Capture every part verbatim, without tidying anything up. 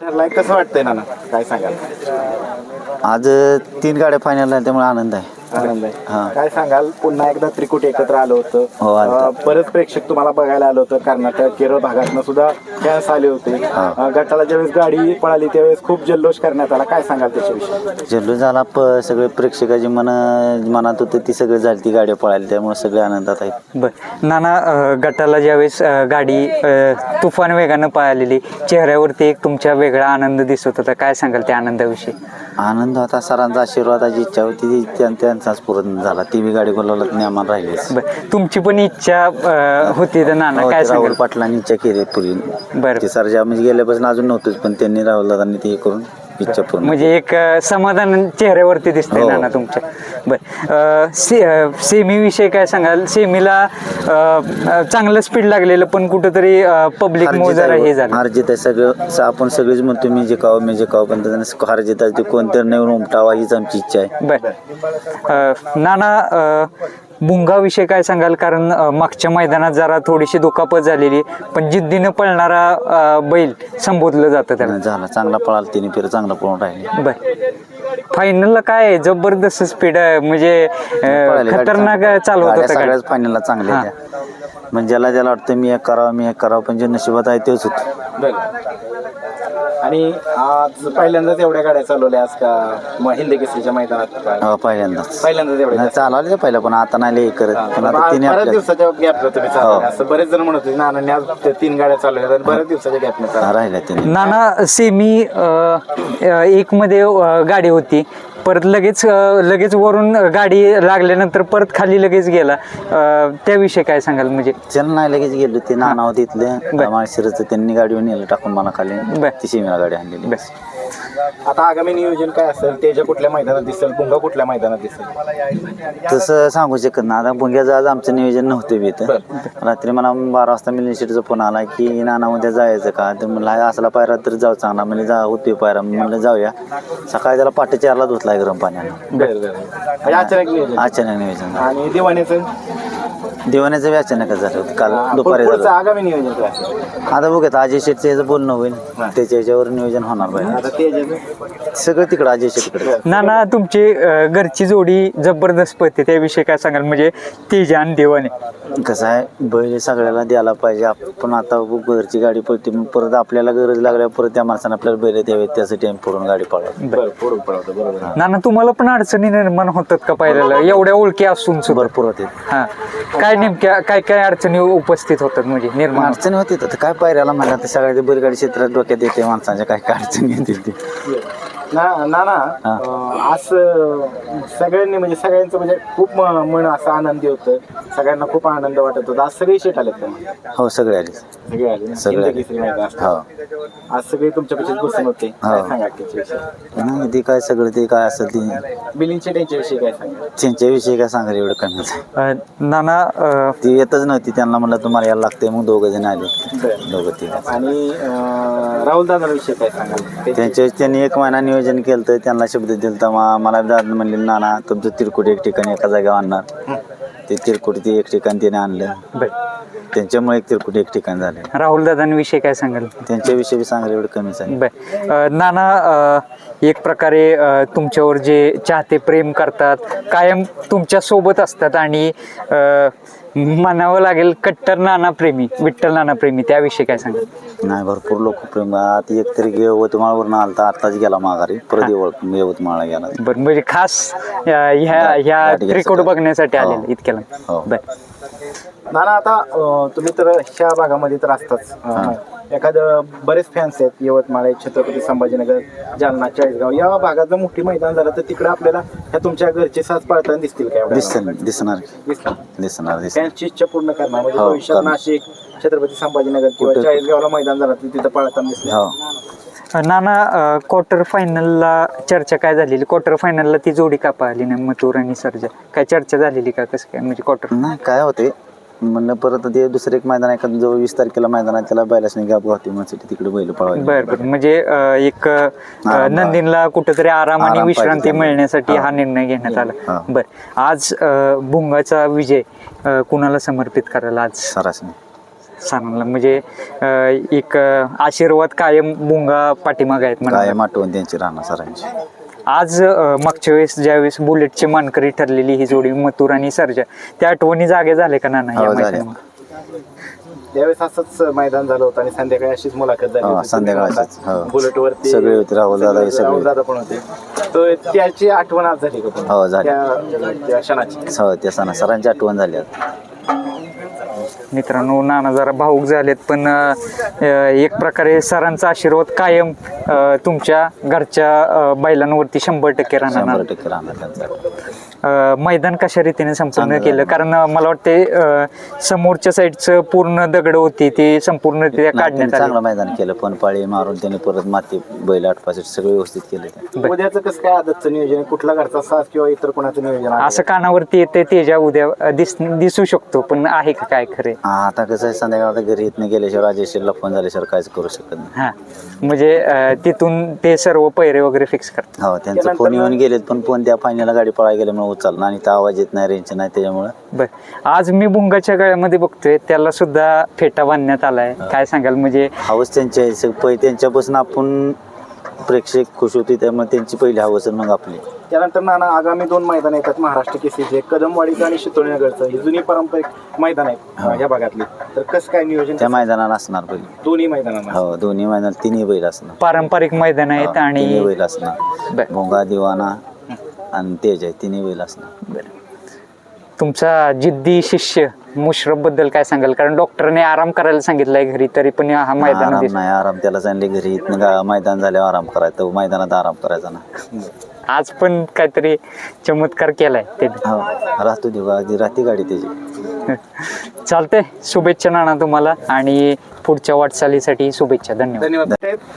ठरलाय कसं वाटतंय नाना काय सांगाल? आज तीन गाड्या फायनल आहेत त्यामुळे आनंद आहे. आनंद हा. आहे. काय सांगाल पुन्हा एकदा त्रिकुट एकत्र आलं होतं. हो, आलं होतं. अं, बरेच प्रेक्षक तुम्हाला बघायला आलं होतं. कर्नाटक केरळ भागातनं सुद्धा फॅन्स आले होते. अं, गटाला ज्यावेळेस गाडी पळाली त्यावेळेस खूप जल्लोष करण्यात आला. काय सांगाल त्याच्याविषयी? जल्लोष झाला प सगळे प्रेक्षकाची मन मनात होते ती सगळी झाली ती गाड्या पळाली त्यामुळे सगळे आनंदात आहेत. बर नाना, अ, गटाला ज्यावेळेस अ, गाडी अ, तुफान वेगानं पळालेली, चेहऱ्यावरती एक तुमच्या वेगळा आनंद दिसत होता. काय सांगाल त्या आनंदाविषयी? आनंद होता, सरांचा आशीर्वादाची इच्छा होती ती त्यां- त्यांचाच पूर्ण झाला. ती बी गाडी बोलावलं नेमान राहिलीच. बर तुमची पण इच्छा अ, होती तर नाना हो, काय ते राहुल सांगाल? पाटलांनी इच्छा केली पूर्वी. बरं. ते सरजा म्हणजे गेल्यापासून अजून नव्हतंच पण त्यांनी राहुल दादांनी ते हे करून इच्छा पूर्ण. म्हणजे एक अ, समाधान चेहऱ्यावरती दिसतंय हो. नाना तुमच्या. बर से सेमी विषयी काय सांगाल? सेमीला अ, अ, चांगलं स्पीड लागलेलं पण कुठंतरी पब्लिक हार मुळे जीत जरा आहे, हे झालं. हार जीत आहे सगळं स- आपण सगळेच म्हणतो मी जिकावं मी जिकावं पण त्याच्यानं हार जीत आहे ते कोणतरी नाही उमटावा हीच आमची इच्छा आहे. बर अ, नाना, अ, भुंगाविषयी काय सांगाल? कारण अ, मागच्या मैदानात जरा थोडीशी दुखापत झालेली, पण जिद्दीनं पळणारा अ, बैल संबोधलं जातं त्याला. झाला चांगला पळाला तिने फेर चांगला पळून राहिले. बर फायनलला काय जबरदस्त स्पीड आहे, म्हणजे अ, खतरनाक चालवत होता सगळ्याच गाडी. फायनलला चांगल्या हा. त्या म्हणजे ज्याला ज्याला वाटतं मी एक करावं मी एक करावं पण जे नशिबात आहे तेच होतं. बरं. आणि आज पहिल्यांदाच एवढ्या गाड्या चालवल्या आज का मग हिंद केसरीच्या मैदानात का? हो, पहिल्यांदाच पहिल्यांदाच एवढ्या नाही चालवले पहिलं पण आता नाही लई करत पण आता तिने बऱ्याच आपल्या दिवसाच्या गॅपला तुम्ही चालवल्या. हो. असं बरेच जण म्हणत होते नानांनी आज त्या तीन गाड्या चालवल्या आणि बऱ्याच दिवसाच्या गॅपने चालवल्या. राहिल्या तिने. नाना, सेमी एक मध्ये अ, गाडी होती, परत लगेच अ, लगेच वरून गाडी लागल्यानंतर परत खाली लगेच गेला. अ, त्याविषयी काय सांगाल? म्हणजे चल नाही लगेच गेलो ते नाना होते इथले बर. माळशिरचं त्यांनी गाडीवर नेलं टाकून मला खाली बर. ती शिमेला गाडी आणलेली. बस आता आगामी नियोजन काय असेल? तेजा कुठल्या मैदानात दिसेल? पुंगा कुठल्या मैदानात दिसेल? तसं सांगू शकत ना आता भुंग्याचं आज आमचं नियोजन नव्हतं बी इथं. रात्री मला बारा वाजता मिलिंद शेटचा फोन आला की नाना उद्या जायचं का तर म्हणलं हा असला पायरा तर जाऊ चांगला म्हणजे जा होते पायरा म्हणलं जाऊया. सकाळी त्याला पाटे चारला धुतलाय गरम पाण्यानं. बरं बरं. म्हणजे अचानक नियोजन. अचानक नियोजन आणि दिवाण्याचं दिवाण्याचं बी अचानकच झालं होतं काल दुपारी पुढचं झालं. आगामी नियोजन काय असेल? आता बघूयात अजय शेटचं याचं बोलणं होईल त्याच्या याच्यावर नियोजन होणार पाहिजे. आता तेजाचं सगळं तिकडं अजय शेटकडे. नाना, तुमची अ, घरची जोडी जबरदस्त पळते, त्याविषयी काय सांगाल? म्हणजे तेजा आणि देवाने. कसं आहे बैल सगळ्याला द्यायला पाहिजे. आपण आता घरची गाडी पळते मग परत आपल्याला गरज लागल्या परत त्या माणसानं आपल्याला बैल द्यावेत त्यासाठी आम्ही फोडून गाडी पळवतो. बरं पुढून पळवतो. बरोबर. नाना, तुम्हाला पण अडचणी निर्माण होतात का पहिल्याला एवढ्या ओळखी असून सुद्धा? भरपूर होते हा, काय नेमक्या काय काय अडचणी उपस्थित होतात म्हणजे निर्माण होतात? अडचणी होती तर काय पायऱ्याला म्हणलं तर सगळ्या बैलगाडी क्षेत्रात डोक्यात येते माणसांच्या काय काय अडचणी येतील ते. ना ना ना अं, असं सगळ्यांनी म्हणजे सगळ्यांचं म्हणजे खूप म- मन असं आनंदी होतं. सगळ्यांना खूप आनंद वाटत होता. आज सगळे शेट आलेत का? हो सगळे आले सगळे आले ना? सगळे हिंद आले. केसरी मैदान असतं. हो आज सगळे तुमच्यापेक्षा बसून होते. काय हो. सांगा त्याच्याविषयी? नाही ते काय सगळं ते काय असेल ते बिलिंग शेट यांच्याविषयी काय सांगा? त्यांच्याविषयी काय सांगायला एवढं कमीच आहे. अ, नाना, अ, ती येतच नव्हती त्यांना म्हणलं तुम्हाला यायला लागते मग दोघं जण आले बरं. दोघं ते आणि राहुल दादाविषयी काय सांगाल? ते- त्यांच्या त्यांनी एक महिना नियोजन केलं तर त्यांना शब्द दिला तर मला दादा म्हणले नाना तुमचं तिरकुट एक ठिकाणी एका जागेवर आणणार. ते तिरकुट ते एक ठिकाणी त्याने आणलं बर त्यांच्यामुळे एक तिरकुट एक ठिकाण झाले. राहुल दादांविषयी काय सांगाल? त्यांच्याविषयी सांगायला एवढं कमीच आहे. बर अ, नाना, अ, एक प्रकारे अ, तुमच्यावर जे चाहते प्रेम करतात, कायम तुमच्या सोबत असतात आणि अ, म्हणावं लागेल कट्टर नाना प्रेमी, विठ्ठल नाना प्रेमी, त्याविषयी काय सांगाल? नाही भरपूर लोक प्रेम आता एक तरी यवतमाळवरून आलता आत्ताच गेला माघारी परत यवत यवतमाळला गेला. बरं म्हणजे खास अ, ह्या ह्या गाठी रेकॉर्ड घ्यायसाठी. बघण्यासाठी हो. आलेलं इतक्याला. हो. बर नाना आता अं, तुम्ही तर ह्या भागामध्ये तर असताच. अं, एखादं बरेच फॅन्स आहेत यवतमाळ, छत्रपती संभाजीनगर, जालना, चाळीसगाव या भागात जर मोठी मैदान झालं तर तिकडे आपल्याला ह्या तुमच्या घरचे साथ पाळताना दिसतील काय? दिसणार दिसणार दिसतील. दिसणार दिसणार फॅन्सची इच्छा पूर्ण करणार म्हणजे हो, भविष्यात करणार. नाशिक, छत्रपती संभाजीनगर किंवा कुठे- चाळीसगावला मैदान झालं तर तिथं पाळताना दिसतील. हो नाना, क्वार्टर फायनलला चर्चा काय झालेली? क्वार्टर फायनलला ती जोडी का पाहिली नाही, मथुर आणि सर्जा? काय चर्चा झालेली का? कसं काय म्हणजे क्वार्टर? नाही काय होते म्हणलं परत ते दुसरं एक मैदान आहे का जवळ वीस तारखेला मैदान आहे त्याला बैलासने गॅप होती म्हणून तिकडे बैल पळवायला. बर बर म्हणजे अ, एक अ, आराम- नंदीनला कुठेतरी आराम आणि आराम विश्रांती पाहिजे मिळण्यासाठी त्यांना. हा निर्णय घेण्यात आला. हा. बर आज अ, भुंगाचा विजय अ, कुणाला समर्पित करायला आज? सरासने सरांना म्हणजे अं, एक अं, आशीर्वाद कायम बुंगा पाठीमाग आहेत म्हणा. कायम आठवण त्यांची राहणार सरांची. आज अं, मागच्या वेळेस ज्यावेळेस बुलेटची मानकरी ठरलेली ही जोडी मथुर आणि सर्जा, त्या आठवणी जागे झाले का नाना या हो, झाल्या. मैदानामध्ये? त्यावेळेस असंच मैदान झालं होतं आणि संध्याकाळी अशीच मुलाखत झाली हो, होती. संध्याकाळचीच, हो. बुलेटवरती सगळे होते, राहुल दादा हे सगळे. राहुल दादा पण होते. तर त्याची आठवण आज झाली का पुन्हा? हो, झाली. त्या त्या क्षणाची. हो, त्या सणा सरांची आठवण झाली आता. मित्रांनो, नाना जरा भाऊक झालेत, पण अं, एक प्रकारे सरांचा आशीर्वाद कायम अं, तुमच्या घरच्या अं, बैलांवरती शंभर टक्के राहणार शंभर नाना. टक्के राहणार त्यांचा. अं, मैदान कशा रीतीने संपूर्ण चांगलं केलं? झालं. कारण अं, मला वाटते अं, समोरच्या साईडचं पूर्ण दगड होती ती संपूर्णरित्या नाही, त्यांनी काढण्यात आली. चांगलं मैदान केलं, पण पाळी मारून त्यांनी परत माती बैल आठपास सगळं व्यवस्थित केलं ते. उद्याचं कसं काय आदतचं नियोजन आहे? कुठला घरचा साथ किंवा इतर कोणाचं नियोजन आहे? असं कानावरती येते तेजा उद्या अं, दिस दिसू शकतो, पण आहे का काय खरे? हा, आता कसं आहे, संध्याकाळी घरी इथनं गेल्याशिवाय राजेश्वरला फोन झाल्याशिवाय काहीच करू शकत नाही. हा, म्हणजे अं, तिथून ते सर्व पैरे वगैरे फिक्स करतात. हो, त्यांचा फोन येऊन गेलेत, पण फोन त्या फायनलला गाडी पळायला गेल्यामुळे उचलला आणि त्या आवाज येत नाही, रेंज नाही, त्याच्यामुळे बर, आज मी बुंगाच्या गळ्यामध्ये बघतोय त्याला सुद्धा फेटा बांधण्यात आलाय. काय सांगाल? म्हणजे हवस त्यांची आहे. सग- पै त्यांच्यापासून आपण प्रेक्षक खुश होते, त्यामुळे त्यांची पहिली हवस आणि मग आपली. त्यानंतर नाना आगामी दोन मैदान येतात महाराष्ट्र केसरीचे, कदमवाडीचं आणि शितोळीनगरचं. ही जुनी पारंपरिक मैदान आहेत या भागातली. तर कसं काय नियोजन त्या मैदानाला असणार बैल. दोन्ही मैदानांना? हो, दोन्ही मैदान तिन्ही बैल असणार. पारंपरिक मैदान आहेत तिन्ही आणि बैल असणार. बर. भोंगा, दिवाना आणि तेज आहे, तिन्ही बैल असणार. तुमचा जिद्दी शिष्य मुश्रफ बद्दल काय सांगाल? कारण डॉक्टरने आराम करायला सांगितलंय घरी, तरी पण हा मैदान आराम नाही, आराम त्याला सांगले घरी इथनं गा- मैदान झाल्यावर आराम करायचं, तो मैदानात आराम करायचा ना. आज पण काहीतरी चमत्कार केलाय त्याने. हो, राहतो दिवा राहते गाडी त्याची. चालतंय, शुभेच्छा नाना तुम्हाला आणि पुढच्या वाटचालीसाठी शुभेच्छा. धन्यवाद. धन्यवाद.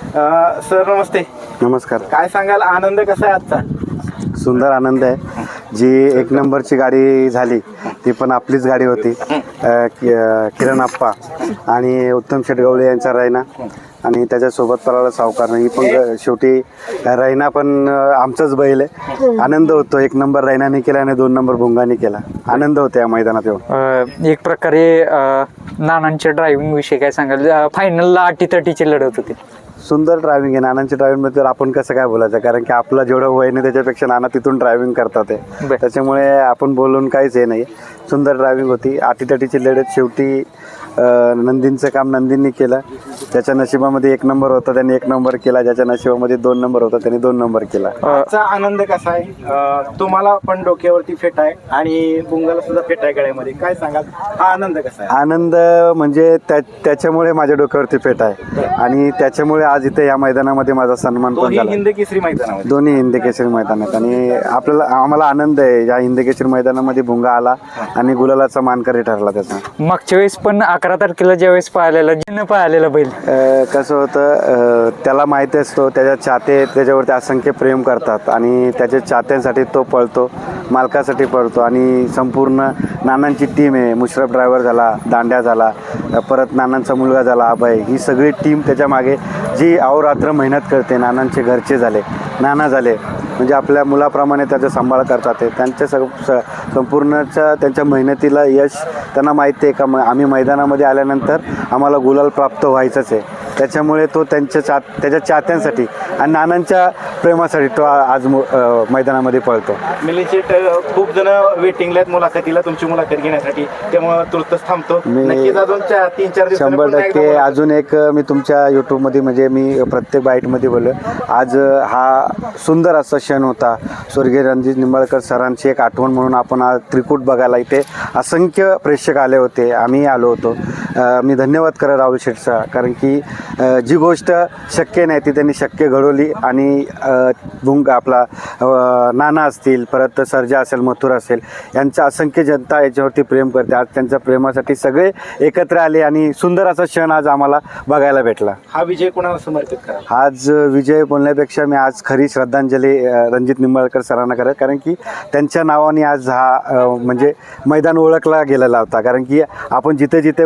अं, सर नमस्ते. नमस्कार. काय सांगाल, आनंद कसा आहे आजचा? सुंदर आनंद आहे. जी एक नंबरची गाडी झाली ती पण आपलीच गाडी होती. अ, कि- अ, किरण आप्पा आणि उत्तम शेटगवळे यांचा रैना आणि त्याच्यासोबत पराला सावकार. ही पण ग- शेवटी रैना पण अ, आमचाच बैल आहे. आनंद होतो. एक नंबर रैनाने केला आणि दोन नंबर भुंगाने केला. आनंद होतो या मैदानात येऊन. अं, एक प्रकारे अं, नानांच्या ड्रायव्हिंग विषयी काय सांगाल? फायनलला अटीतटीची लढत होती. सुंदर ड्रायव्हिंग आहे नानांच्या ड्रायव्हिंगबद्दल. आपण कसं काय बोलायचं, कारण की आपलं जेवढं वय नाही त्याच्यापेक्षा नाना तिथून ड्रायव्हिंग करतात बर. आहे. त्याच्यामुळे आपण बोलून काहीच हे नाही. सुंदर ड्रायव्हिंग होती. अटीतटीची लढत. शेवटी अ, नंदींचं काम नंदींनी केलं. ज्याच्या नशिबामध्ये एक नंबर होता त्यांनी एक नंबर केला, ज्याच्या नशिबामध्ये दोन नंबर होता त्यांनी दोन नंबर केला. आजचा आनंद कसा आहे? अं, तुम्हाला पण डोक्यावरती फेट आहे आणि बुंगाला सुद्धा फेट आहे गळ्यामध्ये. काय सांगाल, हा आनंद कसा आहे? आनंद म्हणजे त्या त्याच्यामुळे माझ्या डोक्यावरती फेट आहे आणि त्याच्यामुळे आज इथे या मैदानामध्ये माझा सन्मान पण दोन्ही झाला. हिंद केसरी मैदानामध्ये. दोन्ही हिंदकेसरी मैदान आहेत आणि आपल्याला आम्हाला आनंद आहे या हिंदकेसरी मैदानामध्ये भुंगा आला आणि गुलालाचा मानकरी ठरला त्याचा. मागच्या वेळेस पण अकरा तारखेला ज्यावेळेस पाहिलेला जिनं पाहिलेला बैल, अ, कसं होतं, अ, त्याला माहिती असतो त्याच्या चाहते त्याच्यावरती असंख्य प्रेम करतात आणि त्याच्या चाहत्यांसाठी तो पळतो, मालकासाठी पळतो आणि संपूर्ण नानांची टीम आहे. मुश्रफ ड्रायव्हर झाला, दांड्या झाला, परत नानांचा मुलगा झाला अभय, ही सगळी टीम त्याच्या मागे जी अहोरात्र मेहनत करते. नानांचे घरचे झाले, नाना झाले, म्हणजे आपल्या मुलाप्रमाणे त्याचा सांभाळ करतात. ते त्यांच्या सग स- संपूर्णच्या त्यांच्या मेहनतीला यश त्यांना माहिती आहे का म आम्ही मैदानामध्ये आल्यानंतर आम्हाला गुलाल प्राप्त व्हायचंच आहे. त्याच्यामुळे तो त्यांच्या चा त्याच्या चाहत्यांसाठी आणि नानांच्या प्रेमासाठी तो आ- आज मु- अ, मैदानामध्ये पळतो. मिलिशेट खूप जण वेटिंगला आहेत मुलाखतीला, तुमची मुलाखत घेण्यासाठी, त्यामुळे तुर्तच थांबतो. मी- नक्कीच अजून चार तीन चार दिवसांनी शंभर पुन्हा एकदा टक्के मुलाखत. अजून एक मी तुमच्या यूट्यूबमध्ये म्हणजे मी प्रत्येक बाईटमध्ये बोललो. आज हा सुंदर असा क्षण होता. स्वर्गीय रणजित निंबाळकर सरांची एक आठवण म्हणून आपण आज त्रिकूट बघायला इथे असंख्य प्रेक्षक आले होते, आम्ही आलो होतो. अ, मी धन्यवाद करा राहुल शेठचा, कारण की अ, जी गोष्ट शक्य नाही ती त्यांनी शक्य घडवली आणि अ, भुंग आपला अ, नाना असतील, परत सर्जा असेल, मथुर असेल, यांचा असंख्य जनता याच्यावरती प्रेम करते. आज त्यांच्या प्रेमासाठी सगळे एकत्र आले आणि सुंदर असा क्षण आज आम्हाला बघायला भेटला. हा विजय कोणाला समर्पित करा? आज विजय बोलण्यापेक्षा मी आज खरी श्रद्धांजली अ, रणजित निंबाळकर सरांना करत, कारण की त्यांच्या नावाने आज हा अ, म्हणजे मैदान ओळखला गेलेला होता. कारण की आपण जिथे जिथे बघू तिथे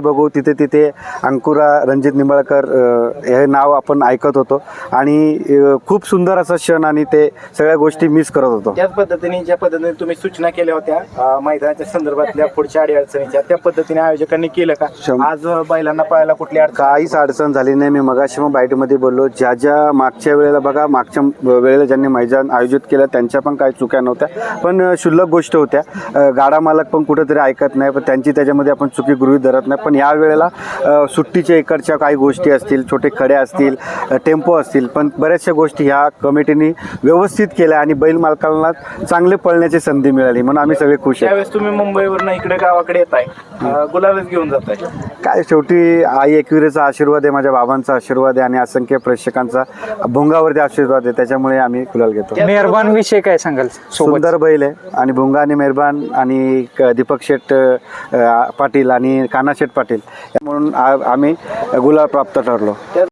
तिथे तिथे अंकुरा रणजित निंबाळकर अ, हे नाव आपण ऐकत होतो आणि अ, खूप सुंदर असा क्षण आणि ते सगळ्या गोष्टी मिस करत होतो. त्याच पद्धतीने ज्या पद्धतीने तुम्ही सूचना केल्या होत्या अं, मैदानाच्या संदर्भातल्या पुढच्या अडीअडचणीच्या, त्या पद्धतीने आयोजकांनी केलं का? शं- आज अं, बैलांना पळायला कुठली अडचण? काहीच अडचण झाली नाही. मी मगाशी मग बाईटमध्ये बोललो, ज्या ज्या मागच्या वेळेला बघा, मागच्या वेळेला ज्यांनी मैदान आयोजित केलं त्यांच्या पण काही चुक्या नव्हत्या, पण अ, क्षुल्लक गोष्ट होत्या. अ, गाडा मालक पण कुठेतरी ऐकत नाही, पण त्यांची त्याच्यामध्ये आपण चुकी गृहीत धरत नाही. पण या वेळेला अ, सुट्टीच्या इकडच्या काही गोष्टी असतील, छोटे खडे असतील, अ, टेम्पो असतील, पण बऱ्याचशा गोष्टी ह्या कमिटीने व्यवस्थित केल्या आणि बैल मालकांना चांगले पळण्याची संधी मिळाली, म्हणून आम्ही सगळे खुश आहे. त्यावेळेस तुम्ही मुंबईवरनं इकडे गावाकडे येत आहे, गुलाबच घेऊन जात आहे. काय शेवटी आई एकविरेचा आशीर्वाद आहे, माझ्या बाबांचा आशीर्वाद आहे आणि असंख्य प्रेक्षकांचा भुंगावरती आशीर्वाद आहे, त्याच्यामुळे आम्ही गुलाल घेतो. मेहरबान विषय काय सांगाल सोबत? सुंदर बैल आहे आणि भुंगा आणि मेहरबान आणि क- दीपक शेठ अ, पाटील आणि काना शेठ पाटील म्हणून आ- आम्ही गुलाल प्राप्त ठरलो.